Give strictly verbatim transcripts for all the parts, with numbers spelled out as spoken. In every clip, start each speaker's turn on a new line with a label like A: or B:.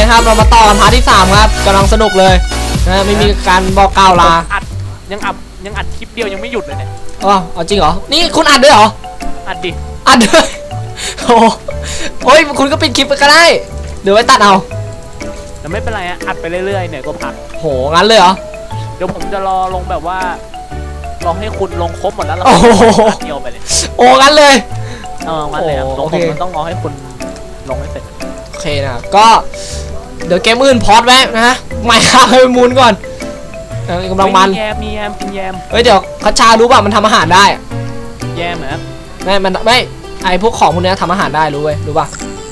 A: ครับเรามาต่อกันพาร์ทที่สามครับกำลังสนุกเลยนะไม่มีการบอกกล่าวลา
B: อัดยังอัดยังอัดคลิปเดียวยังไม่หยุดเลยเนี่ย
A: อ๋อเอาจริงเหรอนี่คุณอัดด้วยเหรอ
B: อัดดิ
A: อัดด้วยโอ้โอ้ยคุณก็ปิดคลิปไปก็ได้เดี๋ยวไว้ตัดเอา
B: แต่ไม่เป็นไรอะอัดไปเรื่อยๆเนี่ยก็พัก
A: โหงั้นเลยเหรอ
B: เดี๋ยวผมจะรอลงแบบว่าลองให้คุณลงครบหมดแล้วเราเดียวไปเลย
A: โอ้งั้นเลย
B: เอองั้นเลยลงผมมันต้องรอให้คุณลงให้เสร็จ
A: โอเคนะก็เดี๋ยวเกมอื่นพอดไว้นะไม่ข้าวให้มูนก่อนกำลังมัน
B: แยมมีแยมกินแยม
A: เฮ้ยเดี๋ยวคัชชารู้ป่ะมันทำอาหารได้
B: แยมเหรอ
A: ไม่มันไม่ไอพวกของพวกนี้ทำอาหารได้รู้เว้ยรู้ป่ะ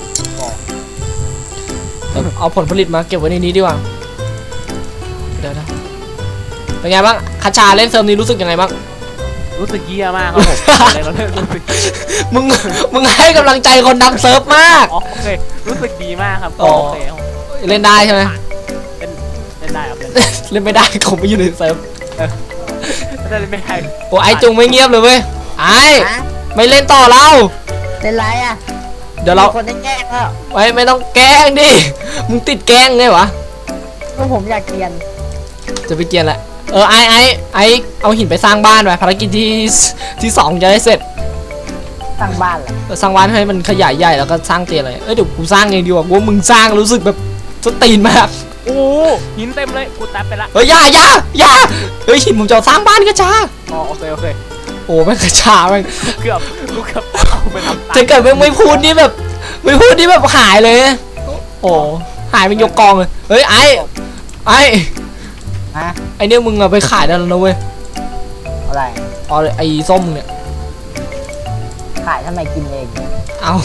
A: เอาผลผลิตมาเก็บไว้ในนี้ดีกว่าเดี๋ยวนะเป็นไงบ้างคัชชาเล่นเซิร์ฟนี้รู้สึกยังไงบ้าง
B: รู้สึกเยี่ยมากครับผม
A: มึงมึงให้กำลังใจคนทำเซิร์ฟมาก
B: โอเครู้สึกดีมากครับโอเค
A: เล่นได้ใช่ไหม
B: เล่นเล่นได้ครับ
A: เล่นไม่ได้ผมไม่อยู่ในเซิร์ฟ
B: เล่นไม่ได้
A: โอ้ไอจุงไม่เงียบเลยเว้ยไอไม่เล่นต่อเรา
C: เล่นไรอ่ะ
A: เดี๋ยวเรา
C: คนได้แกล้งแล้ว
A: ไว้ไม่ต้องแกล้งดิมึงติดแกล้งไงวะ
C: ก็ผมอยากเกียน
A: จะไปเกียนแหละเออไอไอไอเอาหินไปสร้างบ้านไปภารกิจที่ที่สองจะได้เสร็จ
C: สร้างบ้านเหรอ
A: สร้างบ้านให้มันขยายใหญ่แล้วก็สร้างเตียงเลยเอ้ยเดี๋ยวกูสร้างเองดีกว่าว่ามึงสร้างรู้สึกแบบสตีนมาก
B: โอ้หินเต็มเลยกูแตะไปละ
A: เฮ้ยอย่าอย่าอย่าเฮ้ยหินผมจะสร้างบ้านกระชา
B: อ๋อโอเคโอเค
A: โอ้แม่งกระชาแม่ง
B: เกือบกูเกือบเอาไปทำ
A: ถ้าเกิดไม่ไม่พูดนี่แบบไม่พูดนี่แบบหายเลยโอ้หายเป็นยกกองเลยเฮ้ยไอไอไอเนี่ยมึงอะไปขายได้แล้วนะเว้ย
C: อะไร
A: อ๋อไอส้มเนี่ย
C: ขายทำไมกินเอง
A: เอา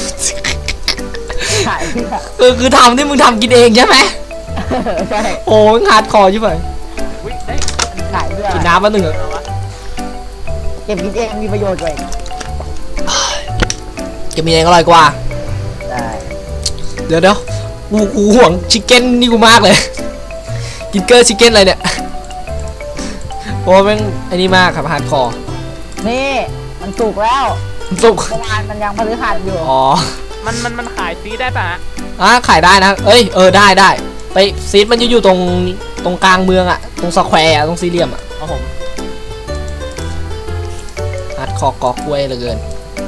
C: ขาย
A: เออคือทำที่มึงทำกินเองใช่ไหม
C: ใช่
A: โอ้งาดคอใช่ไหม
C: ขายด้วย
A: กินน้ำมาหนึ่ง
C: เก็บกินเองมีประโยชน์เลย
A: เก็บกินเองอร่อยกว่า
C: ได้
A: เดี๋ยวเดี๋ยวกูกูห่วงชิคเก้นนี่กูมากเลยกินเกอร์ชิคเก้นอะไรเนี่ยโอ้แม่งไอ้นี่มากครับฮาร์ดคอร์
C: นี่มันสุกแล้ว
A: มันสุก
C: ประมาณมันยังพฤหัสอยู่
A: อ๋อ
B: มันมันมันขายซีได้ป่ะ
A: อ่ะขายได้นะเอ้ยเออได้ได้ไปซีดมันอยู่ตรงตรงกลางเมืองอ่ะตรงสแควร์ตรงสี่เหลี่ยมอ่ะ
B: ครับผม
A: ฮาร์ดคอร์กอกล้วยเหลือเกิน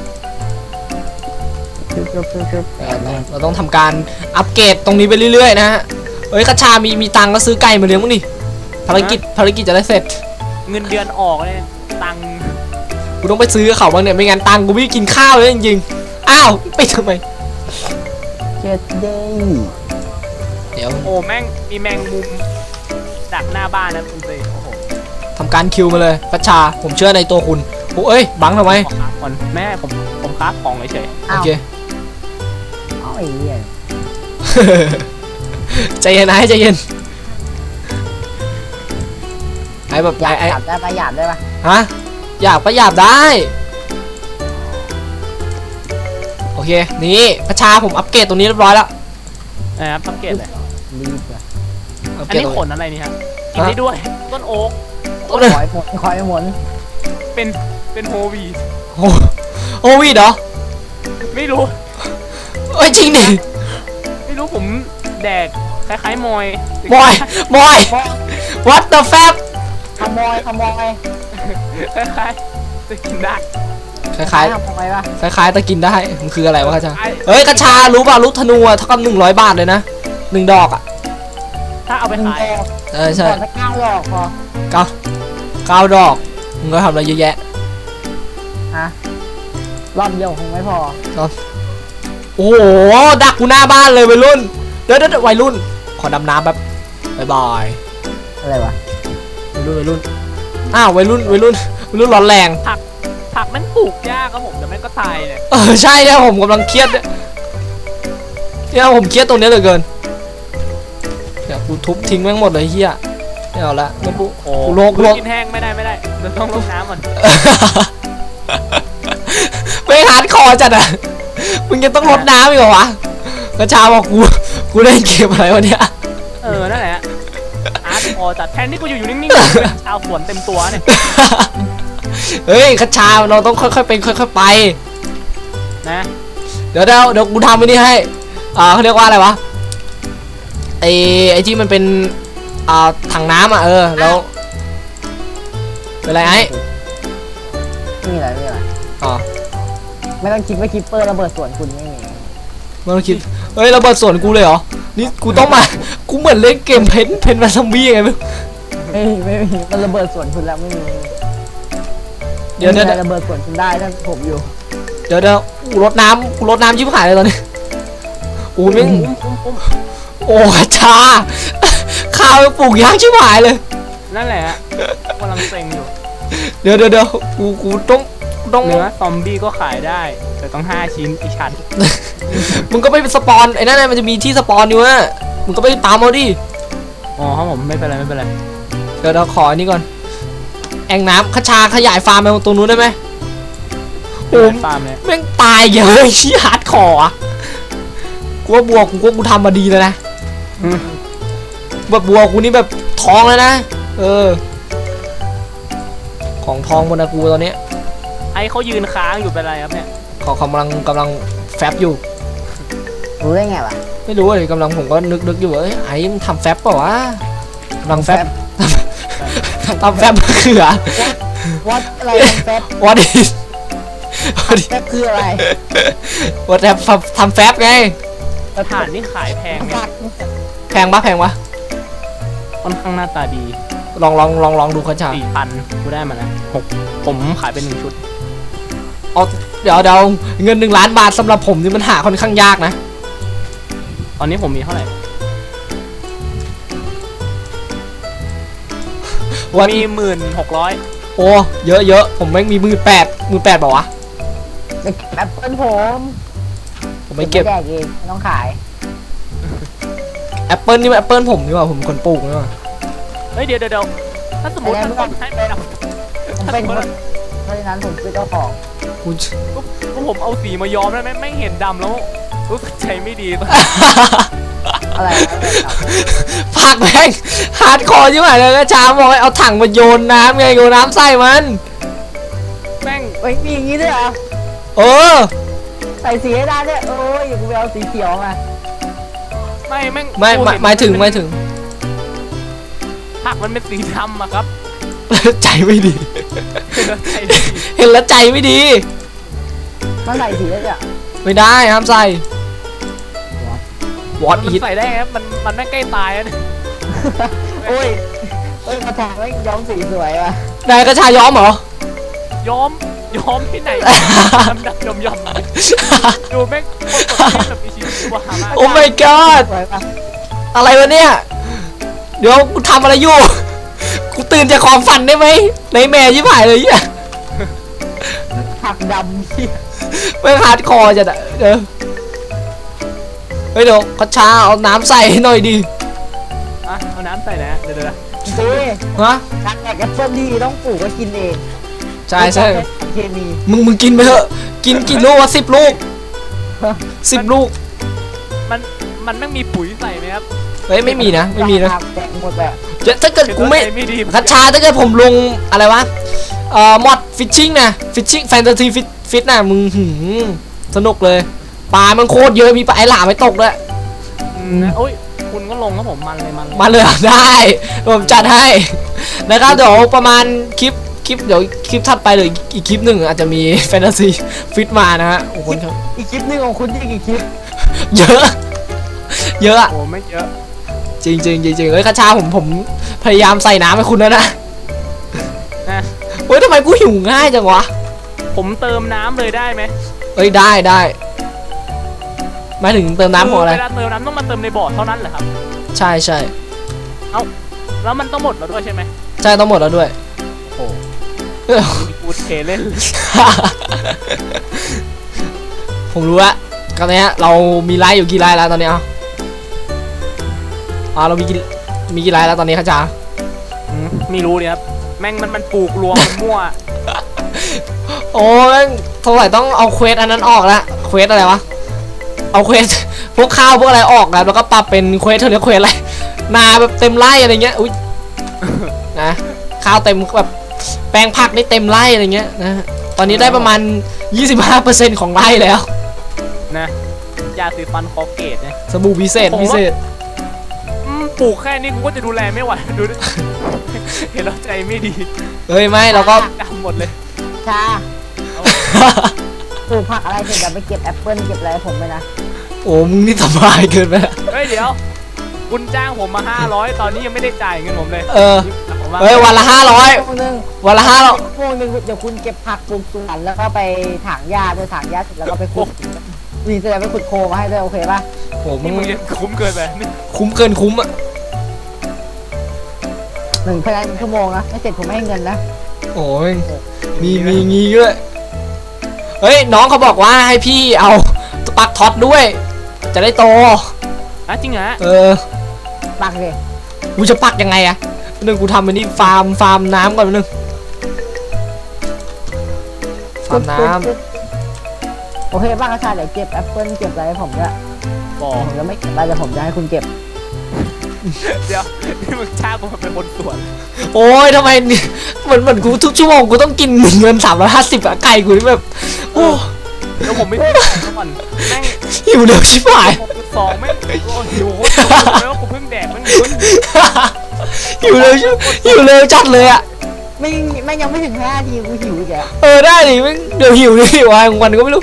A: เราต้องทำการอัปเกรดตรงนี้ไปเรื่อยๆนะฮะเฮ้ยกระชามีมีตังก็ซื้อไก่มาเลี้ยงมั้งดิภารกิจภารกิจจะได้เสร็จ
B: เงินเดือนออกเลยตัง
A: กูต้องไปซื้อเขาบ้างเนี่ยไม่งั้นตังกูไม่กินข้าวเลยจริงๆอ้าวไปทำไม
C: เจ็ดเดย์
A: เดี๋ยว
B: โอ้แม่งมีแมงมุมดักหน้าบ้านนะคุณเซโอ้โห
A: ทำการคิวมาเลยกระชาผมเชื่อในตัวคุณโอ้เอ้ยบังทำไม
B: แม่ผมผมค้าของเฉย
A: โอเค
C: เอาไอ้เหี้ย
A: ใจเย็นนะใจเย็นไอ้แบบ
C: อยากได้ประหยัดได้ปะ
A: ฮะอยากประหยัดได้โอเคนี่พระชาผมอัปเกรดตรงนี้เรียบร้อยแล้ว
B: นะครับอัปเกรดเลย
C: รีบเลย
B: อันนี้ขนอะไรนี่ครับกินได้ด้วยต้นโอ๊ก
C: คอยหมุนคอยหมุน
B: เป็นเป็นโฮวี
A: โฮวีเหรอ
B: ไม่รู้
A: เอ้ยจริงดิ
B: ไม่รู้ผมแดกคล้ายๆมอย
A: มอยมอย what the fuck
C: ขโมยขโมย
B: คล้ายๆจะกินได้
A: คล้ายๆ
C: ทำไมวะ
A: คล้ายๆตะกินได้มันคืออะไรวะกระชาเฮ้ยกระชารู้ป่ะลูกธนูเท่ากับหนึ่งร้อยบาทเลยนะหนึ่งดอกอ่ะ
B: ถ้าเอาไปขาย
A: เออใช่
C: เก้าดอกพอ
A: เก้าเก้าดอกมึงก็ทำอะไรเยอะแยะ
C: ฮะรอบเดียวคงไม่พอ
A: รอบโอ้โหดักกูหน้าบ้านเลยวัยรุ่นเดี๋ยวเดี๋ยววัยรุ่นขอดำน้ำแบบบายบาย
C: อะไรวะ
A: วัยรุ่นวัยรุ่นอ้าววัยรุ่นวัยรุ่นวัยรุ่นร้อนแรง
B: ผักผักมันปลูกยากครับผมแต่แม่ก็ตายเนี่ย
A: เออใช่เนี่ยผมกำลังเครียดเนี่ยเนี่ยผมเครียดตรงนี้เหลือเกินเดี๋ยวกูทุบทิ้งแม่งหมดเลยเฮียไม่เอาละไม่ปุ๊โอ้โลกโลก
B: กินแห้งไม่ได้ไม่ได้เราต้องลดน้ำมัน
A: ไม่ฮาร์ดคอร์จัดอ่ะมึงยังต้องลดน้ำอีกเหรอวะกระชาบอกกูกูได้เก็บอะไรวะเนี่ย
B: เออนั่นแหละฮาร์ดคอร์จัดแทนที่กูอยู่อยู่นิ่งๆชาวสวนเต็มตัวเนี่ย
A: เฮ้ยกระชาเราต้องค่อยๆเป็นค่อยๆไป
B: นะ
A: เดี๋ยวเดี๋ยวเดี๋ยวกูทำไปนี่ให้อ่าเขาเรียกว่าอะไรวะไอ้ไอ้ที่มันเป็นอ่าถังน้ำอ่ะเออแล้วเป็นไรไอ้
C: ไม่มีอะไรไม่มีอะไร
A: อ๋อ
C: ไม่ต้องคิดว่าคิปเปอร์ระเบิดสวนคุณไม่มี
A: ไม่ต้องคิดเฮ้ยระเบิดสวนกูเลยเหรอนี่กูต้องมากูเหมือนเล่นเกมเพนเพนมาซัมบี้ยังไงไม่รู้
C: ไม่มีไม่มีมันระเบิดสวนคุณแล้วไม่มี
A: เดี๋ยว
C: ไม่
A: เดี๋ยว
C: มีอะไรระเบิดสวนคุณได้ถ้าผมอยู่
A: เดี๋ยวเดี๋ยวกูรดน้ำกูรดน้ำชิบหายเลยตอนนี้โอ้ยแม่ง
B: อุ้มอุ้มอุ้ม
A: โอ้ชาข้าวปลูกยากชิบหายเลย
B: นั่นแหละฮะกำลังเซ็งอยู่
A: เดี๋ยวเดี๋ยวเดี๋ยวกูกูต้องต้อง
B: เนื้อซอมบี้ก็ขายได้ แต่ต้องห้าชิ้นอีกชั้น
A: มึงก็ไปสปอนไอ้นั่นน่ะมันจะมีที่สปอนอยู่อะมึงก็ไปตามเอาดิ
B: อ๋อครับผมไม่เป็นไรไม่เป็นไร
A: เดี๋ยวเราขออันนี้ก่อนแอ่งน้ำขชาขยายฟาร์มไปตรงนู้นได้ไหมโอ้
B: ฟาร์มเนี่ย
A: แม่งตายเยอะชี้ฮาร์ดคอร์อะกูว่าบัวกูก็กูทำมาดีแล้วนะแบบบัวกูนี่แบบทองแล้วนะเออของทองบนนะกูตอนนี้
B: ไอ้เขายืนค้างอยู่เป็นไรครับเนี่ย
A: เขากำลังกำลังแฟบอยู่
C: รู้ได้ไงวะ
A: ไม่รู้เลยกำลังผมก็นึกนึกอยู่ว่าเอ้ยไอ้มันทำแฟบเปล่าวะกำลังแฟบทำแฟบมะเขือ
C: วัดอะไรแฟบ
A: what is
C: แฟบคืออะไร
A: what ทำทำแฟบไง
B: สถานนี่ขายแพงไหม
A: แพงปะแพงปะ
B: ค่อนข้างหน้าตาดี
A: ลองลองลองลองดูคัชชา
B: สี่พันกูได้มาแล้วหกผมขายเป็นหนึ่งชุด
A: เอาเดี๋ยวเดี๋ยวเงินหนึ่งล้านบาทสำหรับผมนี่มันหาค่อนข้างยากนะ
B: ตอนนี้ผมมีเท่าไหร่
A: วัน
B: มีหมื่นหกร้อย
A: โอ้เยอะเยอะผมแม่งมีมือแปดมือแปดบอกวะ
C: จะเก็บแอปเปิลผม
A: ผมไม่เก็บ
C: แดกเองไม่ต้องขาย
A: แอปเปิลนี่แอปเปิลผมนี่หว่าผมคนปลูกนี่หว่า
B: เฮ้ยเดี๋ยวเดี๋ยวเดี๋ยวถ้าสมมติมันคนให้ไปนะ
C: ผมเป็นคนเพราะฉะนั้นผมคือเจ้าของ
A: คุณ
B: ก็ผมเอาสีมาย้อมแล้วไม่ไม่เห็นดำแล้วรู้สึกใจไม่ดี
C: อะไรอะไรครับ
A: ผักแม่งฮาร์ดคอร์ใช่ไหมเลยกระชาบอกให้เอาถังมาโยนน้ำไงโยนน้ำใส่มัน
B: แม่ง
C: เฮ้ยมีอย่างนี้ด้วยเหรอ
A: เออ
C: ใส่สีให้ได้ด้วยโอ้ยอย่ากูไปเอาสีเขียวมา
B: ไม่แม่ง
A: ไม่ไม่หมายถึงหมายถึง
B: ผักมันเป็นสีดำอะครับ
A: ใจไม่ดี
B: ใจดี
A: เห็นแล้วใจไม่ดี
C: มันใส่สีได้ด้วย
A: ไม่ได้ห้ามใส่วอต
B: มัน
A: อีท
B: ใส่ได้ครับมันมันไม่งใกล้ตายแล้วเนี่ย
C: โอ้ยเฮ้ยมาแทงไม่ย้อมสีสวยว่ะ
A: นายกระชาย้อมเหรอ
B: ย้อมย้อมที่ไหนดำดำยอมยอมดูแม่งโคตรแบบมีชีวิตชีวามาก
A: โอ้ my god
C: สวยป่ะ
A: อะไรวะเนี่ย เดี๋ยวกูทำอะไรอยู่ กูตื่นจากความฝันได้ไหมในแม่ยิ่หายเลยเนี่ย
C: ผักดำที่
A: ไม่ฮาร์ดคอร์จัดอะเดี๋ยวเฮ้ยเดี๋ยวกระชาเอาน้ำใส่ให้หน่อยดิ
B: อ่ะเอาน้ำใส่นะเดี๋ยวเดี๋ยว
C: ดี
A: ฮะ
C: การแดกแอปเปิ้ลดีต้องปลูกก็กินเอง
A: ใช่ใช่
C: ไม่ต้องใช้เคมี
A: มึงมึงกินไปเถอะ กินกี่ลูกวะสิบลูกสิบลูก
B: มันมันไม่มีปุ๋ยใส่ไหมครับ
A: เฮ้ยไม่มีนะไม่มีนะ
C: แดกหมดเลย
A: จะถ้าเกิดกูไม่
B: ใจไม่ดี
A: กระชาถ้าเกิดผมลงอะไรวะเอ่อมอดฟิชชิ่งนะฟิชชิ่งแฟนตาซีฟิตฟิตน่ะมึงหืมสนุกเลยปลามันโคตรเยอะมีปลาไอหลาไม่ตกด้วย
B: อืมนะโอ้ยคุณก็ลงครับผมมันเลยมันเลย
A: มาเลยเหรอได้ผมจัดให้นะครับเดี๋ยวประมาณคลิปคลิปเดี๋ยวคลิปถัดไปหรืออีกคลิปหนึ่งอาจจะมีแฟนตาซีฟิตมานะฮะโอ้โหครับ
C: อีกคลิปหนึงของคุณที่กี่คลิป
A: เยอะ เยอะอะ
B: โอ้ไม่เยอะ
A: จริงจริงจริงจริงเอ้ยคาชาผมผมพยายามใส่น้ำให้คุณแล้วนะ
B: นะ
A: เฮ้ยทำไมกูหิวง่ายจังวะ
B: ผมเติมน้ำเลยได้ไหม
A: เอ้ยได้ได้หมายถึงเติมน้ำของอะไร
B: เวลาเติมน้ำต้องมาเติมในบ่อเท่านั้นเหรอครับ
A: ใช่ใช่
B: แล้วมันต้องหมดแล้วด้วยใช่ไหม
A: ใช่ต้องหมดแล้วด้วย
B: โอ้กูเทเล่น
A: ผมรู้ละตอนนี้เรามีไลฟ์อยู่กี่ไลฟ์แล้วตอนนี้อ่ะอ่าเรามีกี่มีกี่ไลฟ์แล้วตอนนี้คาชา
B: อืมไม่รู้เนี่ยครับแม่งมันมันปลูกรวมมันมั่ว
A: โอ้ยเท่าไหร่ต้องเอาเควสอันนั้นออกละเควสอะไรวะเอาเควส พวกข้าวพวกอะไรออกนะแล้วก็ปรับเป็นเควสเท่านี้เควสอะไรนาแบบเต็มไร่อะไรเงี้ยอุ้ยนะข้าวเต็มแบบแปลงผักนี่เต็มไร่อะไรเงี้ยนะตอนนี้ได้ประมาณ ยี่สิบห้าเปอร์เซ็นต์ ของไร่แล้ว
B: นะยาสีฟันคอเกตนะ
A: สบู่พิเศษพิเศษ
B: ผปลูกแค่นี้กูก็จะดูแลไม่ไหวดูดิ เห็นแล้วใจไม่ดี
A: เฮ้ยไม่เราก็
B: ดำหมดเลย
C: ชาปลูกผักอะไรเสร็จเดี๋ยวไปเก็บแอปเปิ้ลเก็บอะไรให้ผมไปนะ
A: โอ้มึงนี่สบายเกินไปละ
B: เฮ้ยเดี๋ยวคุณจ้างผมมาห้าร้อยตอนนี้ยังไม่ได้จ่ายเงินผมเลย
A: เออ
B: ผมว่า
A: เฮ้ยวันละห้าร้อย
C: พวกนึง
A: วันละห้าร้อย
C: พวกนึงเดี๋ยวคุณเก็บผักปลูกสวนแล้วก็ไปถางหญ้าด้วยถางหญ้าเสร็จแล้วก็ไปขุดวีจะได้ไปขุดโคมาให้ด้วยโอเคป่ะ
A: โอ้มึ
B: นี่
A: ง
B: มึงยังคุ้มเกินไปนี่
A: คุ้มเกินคุ้มอ่ะ
C: หนึ่งภายในหนึ่งชั่วโมงนะไม่เสร็จผมไม่ให้เงินนะ
A: โอ้ยมีมีงี้ด้วยเฮ้ยน้องเขาบอกว่าให้พี่เอาปักท็อตด้วย จะได้โต
B: อ่ะจริงเหรอ
A: เออ
C: ปักเลย
A: กูจะปักยังไงอะนึงกูทำอันนี้ฟาร์มฟาร์มน้ำก่อนนึงฟาร์มน้
C: โอเคบ้างอาจารย์เดี๋ยวเก็บแอปเปิ้ลเก็บอะไรให้ผมด้วย
B: บอก
C: ผมจะไม่เก็บอะไรแต่ผมจะให้คุณเก็บ
B: เดี๋ยวนี่มึงจ้างกูมาเป็นคนสวน
A: ำโอ้ยทำไมนี่เหมือนเหมือนกูทุกชั่วโมงกูต้องกินเงินสามร้อยห้าสิบอะไก่กูนี่แบบโอ้
B: เดี๋ยวผมไม่ได้จ่ายเขาก่อนแม่ง
A: หิวเร็วชิบหาย
B: หกจุดสองแม่งโอ้หิวโคตรแล้วกูเพิ่งแดกแม่งหิว
A: หิวเร็วชิหิวเร็วจัดเลยอะ
C: ไม่ไม่ยังไม่ถึงห้านาทีกูหิวอีกแล้ว
A: เออได้ดิแม่งเดี๋ยวหิวดิหิวอะไรของวันก็ไม่รู้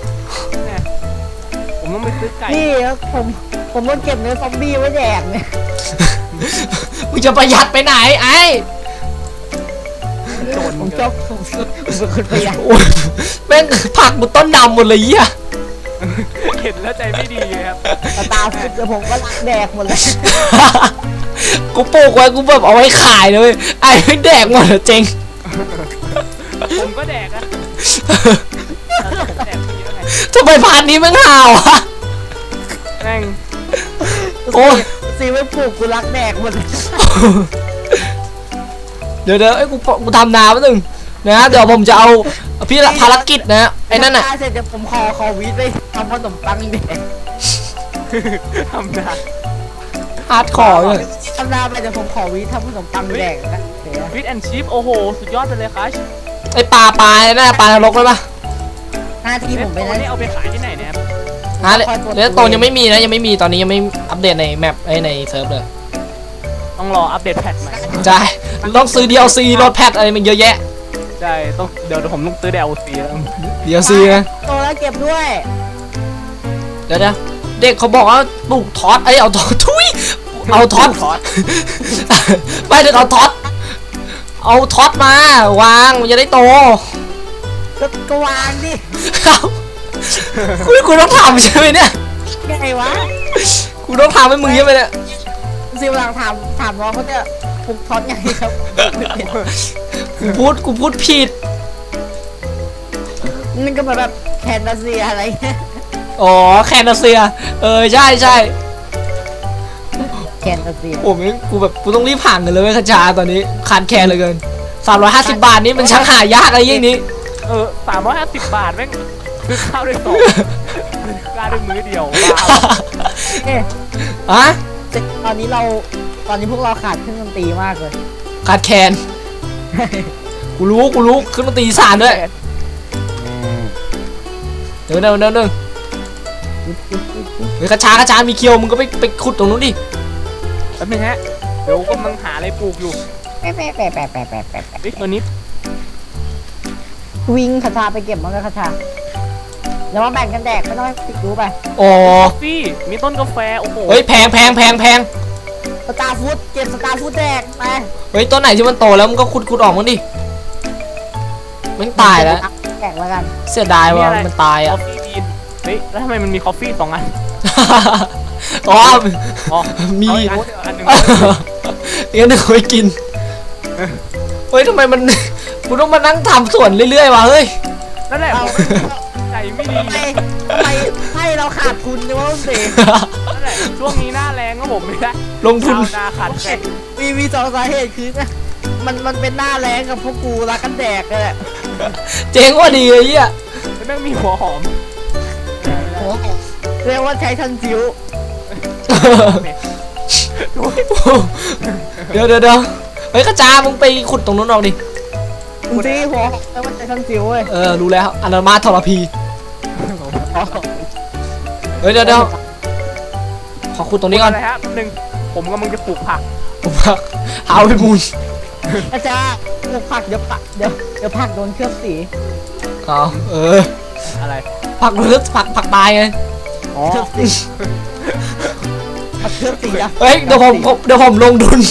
B: ผมต้องไปซื้อไก่
C: นี่แล้วผมผมต้องเก็บเนื้อซอมบี้ไว้แดกเนี่ย
A: มึงจะประหยัดไปไหนไอ้
B: โจร
C: ผมชอบผมชอบผมเป็นคนประหยัด
A: โอ้ยแม่งผักบุต้นดำหมดเลยเหี้ย
B: เห็นแล้วใจไม่ดีเลยครับ
C: ตาตาฟุดเดี๋ยวผมก็รักแดกหมดเลย
A: กูปลูกไว้กูแบบเอาไว้ขายเลยเว้ยไอ้ไม่แดกหมดเหรอเจง
B: ผมก็แดกอะผมแดกทีแล้วไง
A: ทำไมพานนี้แม่งห่าวอะ
B: แม่ง
A: โอ้ย
C: ซีไม่ปลูกกูรักแดกหมดเลย
A: เดี๋ยวเดี๋ยวไอ้ยกูกูทำนาแป๊บนึงนะเดี๋ยวผมจะเอาพี่ละภารกิจนะไอ้นั่นน่ะ
C: เสร็จเดี๋ยวผมขอขอวีดไปทำขนมปังแดก
B: ทำได้
A: ฮาร์ดคอร์เลย
C: ทำนาไปเดี๋ยวผมขอวีดทำขนมปังแดกนะเดี๋ยว
B: ฟิตแอนชิพโอ้โห สุดยอดไปเลยครับ
A: ไอ้ปลาปลาไอ้นั่นน่ะปลานรกเลยปะ
C: หน้าที่ผมไป
B: ตัว
C: นะ
B: นี้เอาไปขายที่ไหนเนี่ย
A: ฮะเลเลสโตนยังไม่มีนะยังไม่มีตอนนี้ยังไม่อัปเดตในแมปไอ้ในเซิร์ฟเลย
B: ต้องรออัปเดตแพทใหม่
A: ใช่ต้องซื้อ ดี แอล ซี รถแพทอะไรมันเยอะแยะ
B: ใช่ต้องเดี๋ยวผมต้องซื้อ ดี แอล ซี แล้ว
A: ดี แอล ซี นะ
C: โตแล้วเก็บด้วย
A: เดี๋ยวเดี๋ยวเด็กเขาบอกว่าปลูกท็อตไอ้ยเอาท็อตทุยเอาท็อต
B: ทอด
A: ไม่เดี๋ยวเอาท็อตเอาท็อตมาวางมันจะได้โต
C: ก็ก็วางดิ
A: เอาคุณคุณต้องทำใช่ไหมเนี่ย
C: ไงวะ
A: คุณต้องทำให้มึงใช่ไหมเนี่ย
C: ซีกำลังถามถามน้องเขาจะปลูกท็อตไงครับ
A: กูพูดกูพูดผิด
C: นี่ก็เหมือนแบบแคนตาเซียอะไรเงี้ย
A: อ๋อแคนาเซียเออใช่ใช่
C: แคนตาเซีย
A: โอ้ยกูแบบกูต้องรีบผ่านกันเลยเว้ยขจาตอนนี้ขาดแคลนเหลยเกินสามร้อยห้าสิบบาทนี่มันช่างหายากอะไรอย่างนี้
B: เออสามร้อยห้าสิบบาทแม่งซื้อข้าวได้สองซื้อข้าวได้มื้อเดียวบ้า
C: เอ๊ะ
A: อะ
C: ตอนนี้เราตอนนี้พวกเราขาดเครื่องดนตรีมากเลย
A: ขาดแคลนกูรู้กูรู้ขึ้นมาตีสานด้วยเดี๋ยวเดี๋ยวเดี๋ยวเดี๋ยวเฮ้ยกระชากระชามีเคียวมึงก็ไปไปขุดตรงนู้นดิ
B: แป๊บนึงฮะเดี๋ยวกำลังหาอะไรปลูกอยู่
C: แปะแปะแปะแปะแปะแปะแปะแปะ
B: เฮ้ยตัวนี้
C: วิ่งคาชาไปเก็บมันก็คาชาแล้วมาแบ่งกันแดกไม่ต้องให้ติดรู้ไป
A: อ๋อก
B: าแฟมีต้นกาแฟโอ้โห
A: เฮ้ยแพงแพงแพงแพง
C: สตาร์ฟูดเก็บสตาร์ฟูดแดกไป
A: เฮ้ยต้นไหนที่มันโตแล้วมึงก็ขุดขุดออกมันดิมันตายแล้ว
C: แดกแล้วกัน
A: เสียดายว่ะมันตาย
B: กา
A: อ่ะ
B: แฟบีนเฮ้ยแล้วทำไมมันมีกาแฟสองอัน
A: อ๋อ
B: อ๋อ
A: มี
B: เอาอีกอันหนึ่ง
A: งั้นเดี๋ยวไปกินเฮ้ยทำไมมันกูต้องมานั่งทำสวนเรื่อยๆวะเฮ้ย
B: นั่นแหละ
C: เอา
B: ผมใจไม่ดี
C: ทำไมทำไมให้เราขาดทุนเนี่ยว่าเสก
B: นั่นแหละช่วงนี้หน้าแรงก็ผมไม่ได้
A: ลงทุน
B: ชาวนาขาดแคลน
C: มีมีสองสาเหตุคือมันมันเป็นหน้าแรงกับพวกกูรักกันแดกเลยแหละ
A: เจ๊งว่าดีเลยเหี้ย
B: มันต้องมีหัวหอม
C: เรียกว่าใช้ทันจิ๋ว
A: เดี๋ยวเดี๋ยวเดี๋ยวเฮ้ยกระจามึงไปขุดตรงนู้นออกดิ
C: จริงๆหัวเรียกว่าใช้ทันจิ๋วเว้ย
A: เออรู้แล้วอนามาทรพีเฮ้ยเดี๋ยวเดี๋ยวขอขุดตรงนี้ก่อน
B: อะไรฮะหนึ่งผมกำลังจะปลูกผัก
A: ผมว่าเอาไปมูล
C: อาจารย์ปลูกผักเดี๋ยวปะเดี๋ยวเดี๋ยวผักโดนเคลือบสี
A: เอาเออ
B: อะไร
A: ผักหรือผักผักตายไง
B: อ๋อ
C: เคลือบสีผักเคลือบสีอะ
A: เฮ้ยเดี๋ยวผมผมเดี๋ยวผมลงทุน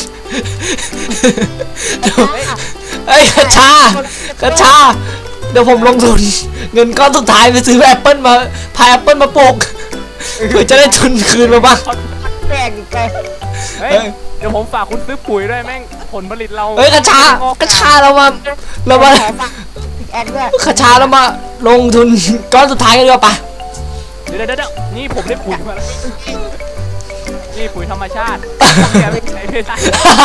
A: เดี๋ยวเฮ้ยกระชากระชาเดี๋ยวผมลงทุน เงินก้อนสุดท้ายไปซื้อแอปเปิลมาพายแอปเปิลมาปลูกเพื่อจะได้ทุนคืนมาบ้าง
C: แปลกอีกไง
B: เฮ้ยเดี๋ยวผมฝากคุณซื้อปุ๋ยด้วยแม่งผลผลิตเรา
A: เฮ้ยกระชากระชาเรามาเรามา
C: ขอฝากอีกแอดด้วย
A: กระชาเรามาลงทุนก้อนสุดท้ายกันดีกว่าปะ
B: เดี๋ยวเดี๋ยวเดี๋ยวนี่ผมได้ปุ๋ยมาแล้วนี่ปุ๋ยธรรมชาติแกไม่ใช้ไม่ได้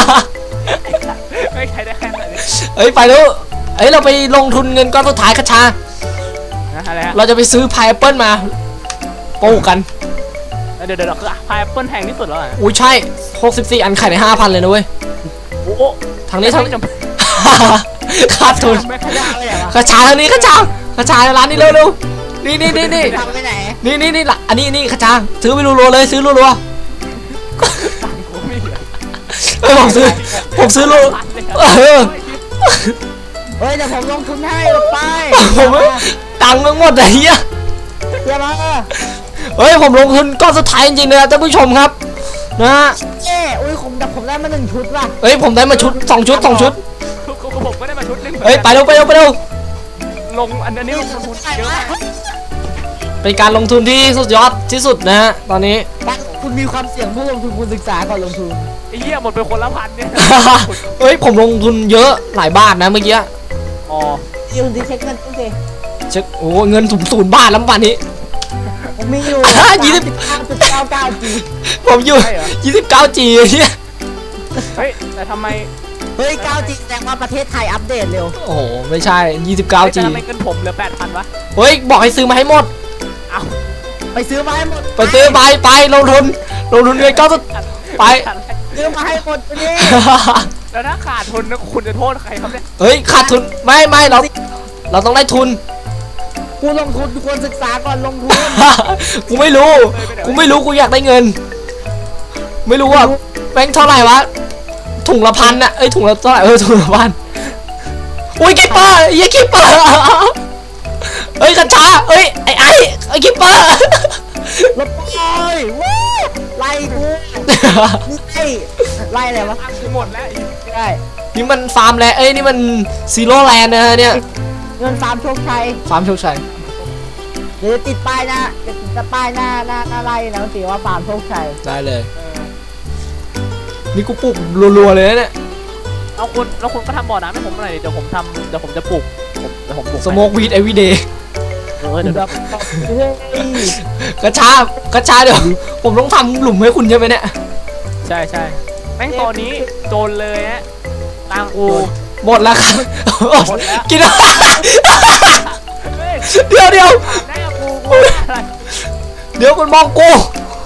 B: ไม่ใช้ได้แค่ไหน
A: เฮ้ยไปแล้วเฮ้ยเราไปลงทุนเงินก้อนสุดท้ายกระชา
B: นะอะไรฮะ
A: เราจะไปซื้อพายแอปเปิลมาปลูกกัน
B: เดี๋ยวเดี๋ยวคือพายแอปเปิลแพงที่สุดแล้วเหรอ
A: อุ้ยใช่หกสิบสี่อันขายในห้าพันเลยนะเว้ย
B: โอ้โห
A: ทางนี้ทาง
B: ไม่จำเป็น
A: ขาดทุน
B: ไม่
C: ขยะไปไหนวะ
A: กระชาทางนี้กระชากระชาในร้านนี้เร็วๆนี่นี่นี่นี่
C: ทำไปไหน
A: นี่นี่นี่ละอันนี้นี่กระชาซื้อไปรัวๆเลยซื้อรัว
B: ผมไม่เหลือ
A: ๆเฮ้ยผมซื้อผมซื้อรัวเออ
C: เฮ้ยเดี๋ยวผมลงทุนให้ลงไป
A: ผมไม่ตังค์ทั้งหมดไอ้เหี้ย
C: เดี๋ยวมา
A: เฮ้ยผมลงทุนก้อนสุดท้ายจริงๆเลยนะท่านผู้ชมครับนะฮะ
C: เอ้อุ้ยผมแต่ผมได้มาหนึ่งชุดว่ะ
A: เฮ้ยผมได้มาชุดสองชุดสองชุด
B: คือผมก็ได้มาชุดหนึง
A: เฮ้ยไปเร็วไปเร็วไปเร็ว
B: ลงอันนี้ลงทุนเยอะมาก
A: เป็นการลงทุนที่สุดยอดที่สุดนะฮะตอนนี้
C: บ้านคุณมีความเสี่ยงผู้ลงทุนคุณศึกษาก่อนลงทุน
B: ไอ้เหี้ยหมดไปคนละพันเนี่ย
A: เฮ้ยผมลงทุนเยอะหลายบาทนะเมื่อกี้
B: อ๋อ
C: ยืนดิเช็คเงินตู้สิ
A: เช็คโอ้เงินถุงศูนย์บาทแล้ววันนี้
C: ผมมีอยู่
A: อ่ะยี่สิบ
C: ห้าจุดเก้าเก้าจี
A: ผมอยู่ยี่สิบเก้าจีเนี่ย
B: เฮ้ยแต่ทำไม
C: เฮ้ยเก้าจีแสดงว่าประเทศไทยอัปเดตเร็ว
A: โอ้โหไม่ใช่ยี่สิบเก้า
B: แต่
A: จี
B: ทำไมเงินผมเหลือแปดพันวะ
A: เฮ้ยบอกให้ซื้อมาให้หมด
B: เอ้า
C: ไปซื้อมาให้หมด
A: ไปซื้อไปไปลงทุนลงทุนเงินก้อนสุดไป
C: ซื้อมาให้หมดตัวนี้
B: แล้วถ้าขาดทุนนะคุณจะโทษใครครับเนี่ย
A: เฮ้ยขาดทุนไม่ไม่เราเราต้องได้ทุน
C: กูลงทุนทุกคนศึกษาก่อนลงทุน
A: กูไม่รู้กูไม่รู้กูอยากได้เงิน ไม่รู้ว่าแบงค์เท่าไหร่วะถุงละพันน่ะเอ้ยถุงละเท่าไหร่เออถุงละพันอุ้ยคิปเปอร์ยี่คิปเปอร์เฮ้ยกระชาเฮ้ยไอ้ไอ้ไอ้คิปเปอร์
C: ลบไปวู้ไล่กูนี่ไล่ไล่อะไรวะ
B: ตังค์กูหมดแล้วไอ้
C: ไม่ได้
A: นี่มันฟาร์มแลนด์เอ้ยนี่มันซีโร่แลนด์นะฮะเนี่ย
C: เงินฟาร์มโชคชัย
A: ฟาร์มโชคชัย
C: เดี๋ยวจะติดป้ายหน้าจะติดป้ายหน้าหน้าหน้าไล่นะมันติว่าฟาร์มโชคชัย
A: ได้เลย
B: เออ
A: นี่กูปลูกรัวๆเลยนะเนี่ย
B: เอาคุณแล้วคุณก็ทำบ่อน้ำให้ผมหน่อยดิเดี๋ยวผมทำเดี๋ยวผมจะปลูกผมเดี๋ยวผมปลูก
A: สโมกวีดเอวีเดย์
B: เออเดี๋ยว
C: เฮ้ย
A: กระชากระชาเดี๋ยวผมต้องทำหลุมให้คุณใช่ไหมเนี่ย
B: ใช่ใช่แม่งตอนนี้โจรเลยฮะตังค์กู
A: หมดแล้วครับ
B: หมดแล้ว
A: กินแล้ว
B: เฮ้ย
A: เดี๋ยวเดี๋ยว
B: ถามได้อะกูกูอะไร
A: เดี๋ยวคุณมองกู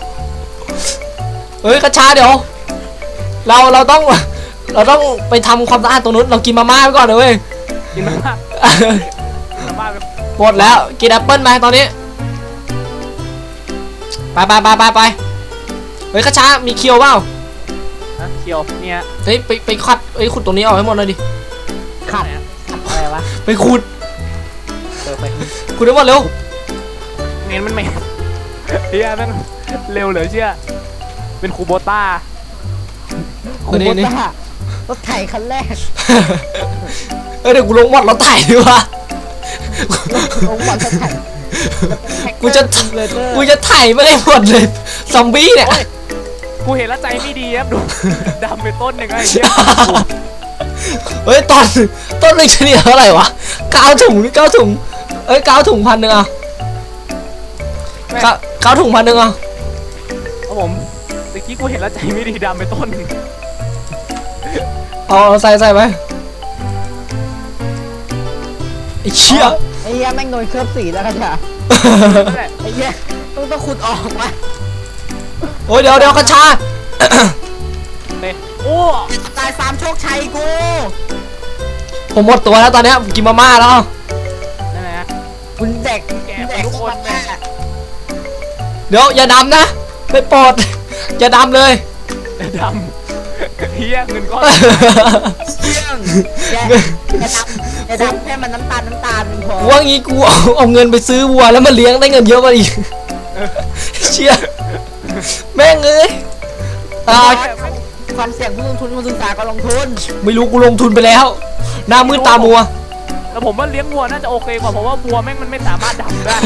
A: เฮ้ยกระชาเดี๋ยว เราเราต้องเราต้องไปทำความสะอาดตรงนู้นเรากินมาม่าไปก่อนเลยเว้ย
B: กินมาม่ากินมาม่าไป
A: หมดแล้วกินแอปเปิ้ลไหมตอนนี้ไปไปไปไปไปเฮ้ยกระชามีเคียวเปล่า
B: ฮะเคียวเนี่ย
A: เฮ้ยไปไปขัดเฮ้ยขุดตรงนี้ออกให้หมดเลยดิ
C: ขัดขัดอะไรวะ
A: ไปขุด
B: เออไป
A: ขุดให้หมดเร็ว
B: เน้นมันไม่เฮียแม่งเร็วเหลือเชื่อเป็นคูโบต้า
C: คุ
A: นี่
C: ณ
A: นี่
C: ต้ารถไถคันแรก
A: เออเดี๋ยวกูลงหมดเราถ่ายดีกว่า
C: ลงบอลรถไถ
A: กูจะกูจะถ่ายไม่ได้หมดเลยซอมบี้เนี่ย
B: กูเห็นแล้วใจไม่ดีครับดูดำไปต้นหนึ่งไอ้เหี้ย
A: เฮ้ยตอนต้นหนึ่งเฉลี่ยเท่าไหร่วะเก้าถุงหรือเก้าถุงเอ้ยเก้าถุงพันหนึ่งอ่ะเก้าเก้าถุงพันหนึ่งอ่ะ
B: ครับผมตะกี้กูเห็นแล้วใจไม่ดีดำไปต้นหนึ่ง
A: เอาเอาใส่ใส่ไปไอ้เชี่ย
C: ไอ้เหี้ยแม่งโดนเคลือบสีแล้วกันจ้ะ
B: นั่นแหละ
C: ไอ้เหี้ยต้องต้องขุดออกมา
A: โอ้ยเดี๋ยวเดี๋ยวกระชา
B: เต้โอ้
C: ตายฟาร์มโชคชัยกู
A: ผมหมดตัวแล้วตอนเนี้ยกินมาม่าแล้ว
B: นั่นแหละ
C: คุณเด็ก
B: แก่ทุกคนแม่
A: เดี๋ยวอย่าดำนะไม่โปรดอย่าดำเลย
B: ดำเฮียเงินก้อน
C: เชี่ยงอย่าอย่าดำอย่าดำแค่มันน้ำตาลน้ำตาลมันพอ
A: กูว่างี้กูเอาเอาเงินไปซื้อวัวแล้วมาเลี้ยงได้เงินเยอะมาอีกเชี่ยแม่งเอ้ยตาย
C: ความเสี่ยงผู้ลงทุนผู้ศึกษาก็ลงทุน
A: ไม่รู้กูลงทุนไปแล้วหน้ามืดตามัว
B: แต่ผมว่าเลี้ยงวัวน่าจะโอเคกว่าเพราะว่าวัวแม่งมันไม่สามารถดำได้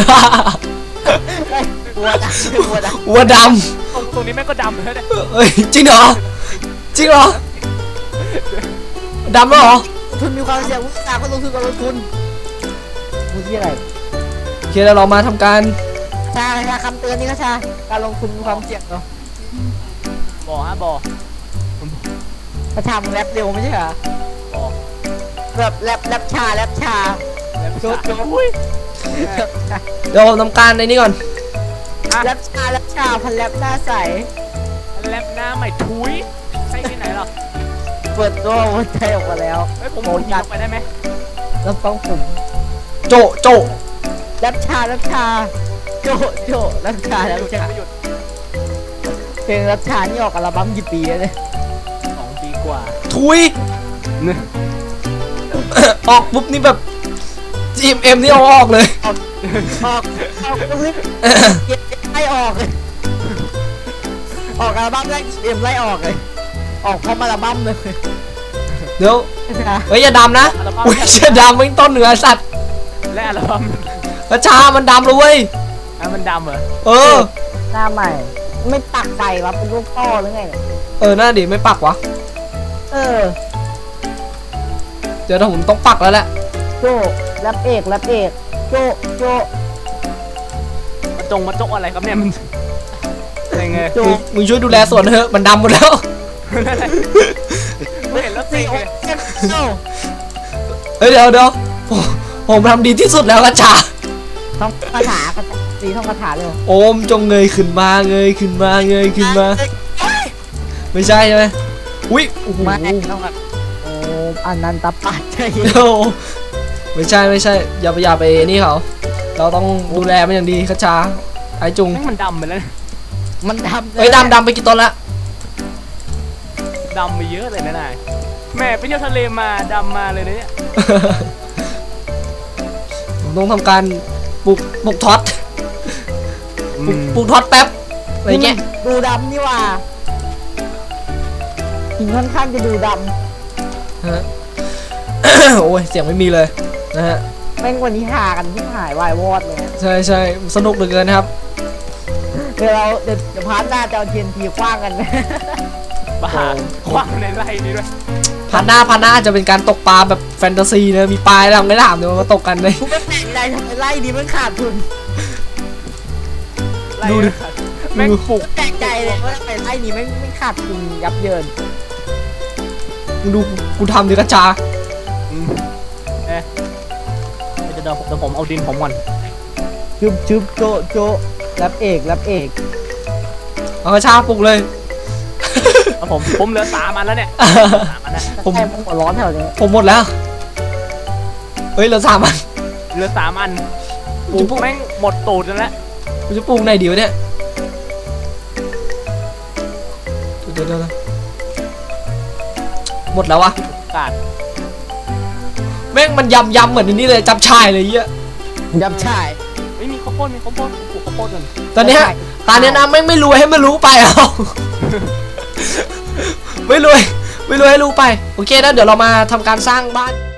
C: บัวดำบัวดำ
A: วัวด
B: ตรงตรงนี้แม่งก็ดำเลยเนี่ย
A: ำเอ้ยจริงเหรอจริงเหรอดำแล้วเหรอ
C: ทุนมีความเสี่ยงผู้ศึกษาก็ลงทุนก็ลงทุนมึงที่อะไร
A: โอเคแล้วเรามาทำการ
C: ชาชาคำเตือนนี่ก็ชาการลงทุนมีความเสี่ยงเนาะ
B: บ่อฮะบ่อ
C: ประชามึงแรปเร็วไม่ใช่เหรอ
B: บ่อ
C: แบบแรปแรปชาแรปชา
B: แล้ว
C: โจ๊ะโจ๊ะ
B: อุ้ย
A: เดี๋ยวผมทำการในนี้ก่อน
C: แรปชาแรปชาพันแรปหน้าใส
B: แลบหน้าใหม่ทุยใช่ที่ไหนหรอ
C: เปิดตัวหัวใจออกมาแล้ว
B: เฮ้ยผมผมยิงลงไปได้ไหม
C: แล้วต้องผม
A: โจโจ
C: แรปชาแรปชาโจะโจะแรปชาแรปชา
B: ไม่หยุด
C: เพลงแรปชานี่ออกอัลบั้มกี่ปีแล้วเนี่ย
B: สองปีกว่า
A: ทุย ออกปุ๊บนี่แบบ จี เอ็ม เอ็ม นี่เอาออกเลย
C: ออกออกออกก็รีบเก็บไล่ออกเลยออกอัลบั้มแรกเอ็มไล่ออกเลยออกพร้อมอัลบั้มเลย
A: เดี๋ยว
C: นะ
A: เฮ้ยอย่าดำนะ
B: อัลบั้ม
A: อุ้ยเชี่ยดำไม่ต้นเหนือสัตว์
B: และอัลบั้ม
A: กระชามันดำเลยเว้ย
B: อ่ะมันดำเหรอ
A: เออ
C: หน้าใหม่ ไม่ปักไฟวะเป็นลูกต้อหรือไงเนี่ย
A: เออหน้าดิไม่ปักวะ
C: เออ
A: เดี๋ยวผมต้องปักแล้วแหละ
C: โจแรปเอกแรปเอกโจโจ
B: มาจงมาจกอะไรครับเนี่ยมันยังไง
C: โจ
A: มึงมึงช่วยดูแลสวนเถอะมันดำหมดแล้ว
B: ไม่เห็นแล้วสิ
C: สี่โอ
B: เลย
C: เจ็ดโจ
A: เฮ้ยเดี๋ยวเดี๋ยวผมผมทำดีที่สุดแล้วกระชา
C: ท่องคาถากระสีท่องคาถาเลย
A: โอมจงเงยขึ้นมาเงยขึ้นมาเงยขึ้นมา ไม่ใช่ใช่ไหมอุ้ยโอ้โห
C: มาท่องคาโอ้อันนันตปัจจัย
A: โอ้ไม่ใช่ไม่ใช่อย่าไปอย่าไปนี่เขาเราต้องดูแลมันอย่างดีกระชาไอจุง
B: แม่งมันดำไปแล้ว
C: มันดำ
A: เฮ้ยดำดำไปกี่ต้นละ
B: ดำไปเยอะเลยนะนายแม่ไปเที่ยวทะเลมาดำมาเลยเนี่ย
A: ผมต้องทำการปลูกปลูกท็อตปลูกปลูกท็อตแป๊บอะไรเงี้ย
C: ดูดำนี่ว่าหินค่อนข้างจะดูด
A: ฮะ โอ้ยเสียงไม่มีเลยนะฮะ
C: ำแม่งวันนี้หากันที่หายวายวอดเลยนะ
A: ใช่ใช่สนุกเหลือเกินนะครับ
C: เดี๋ยวเราเดี๋ยวเดี๋ยวพาร์ทหน้าจะเอาเทียนทีคว้างกันนะ
B: บ้าคว้างในไร่นี้ด้วย
A: พันหน้าพันหน้าจะเป็นการตกปลาแบบแฟนตาซีนะมีปลาอะไรไม่ถามเดี๋ยวมาตกกันเลย
C: กูไม่แปลกใจทำไมไล่ดีมันขาดทุน
B: ไร่
A: ดูดิ
B: แม่งปลูก
C: แปลกใจเลยว่าทำไมไล่นี้ไม่ไม่ขาดทุนยับเยิน
A: มึงดูกูทำดิกระจา
B: อืมเอ๊ะเดี๋ยวเดี๋ยวเดี๋ยวผมเอาดินผมก่อน
C: ชึบชึบโจะโจะรับเอกรับเอก
A: เอากระชาปลุกเลย
B: เอาผมผมเหลือสามอันแล้วเนี่ยสามอันนะ
A: ผม
C: ใช่ผมหัวร้อนแถวนี้
A: ผมหมดแล้ว เฮ้ยเหลือสามอัน
B: เหลือสามอันปลู
A: จะ
B: ก
A: ปลูก
B: แม่งหมดตูดแล้ว
A: กูจะปลูกไหนดีวะเนี่ยเดี๋ยวเดี๋ยวเดี๋ยวหมดแล้ววะ
B: กาด
A: แม่งมันยำยำเหมือนอันนี้เลยจับชายเลยเหี้ย
C: ยับชาย
B: ไม่มีข้าวโพดมีข้าวโพดปลูกข้าวโพดกัน
A: ตอนเนี้ยตอนเนี้ยนะแม่งไม่รวยให้มันรู้ไปเอา ไม่รวยไม่รวยให้รู้ไปโอเคนะเดี๋ยวเรามาทำการสร้างบ้าน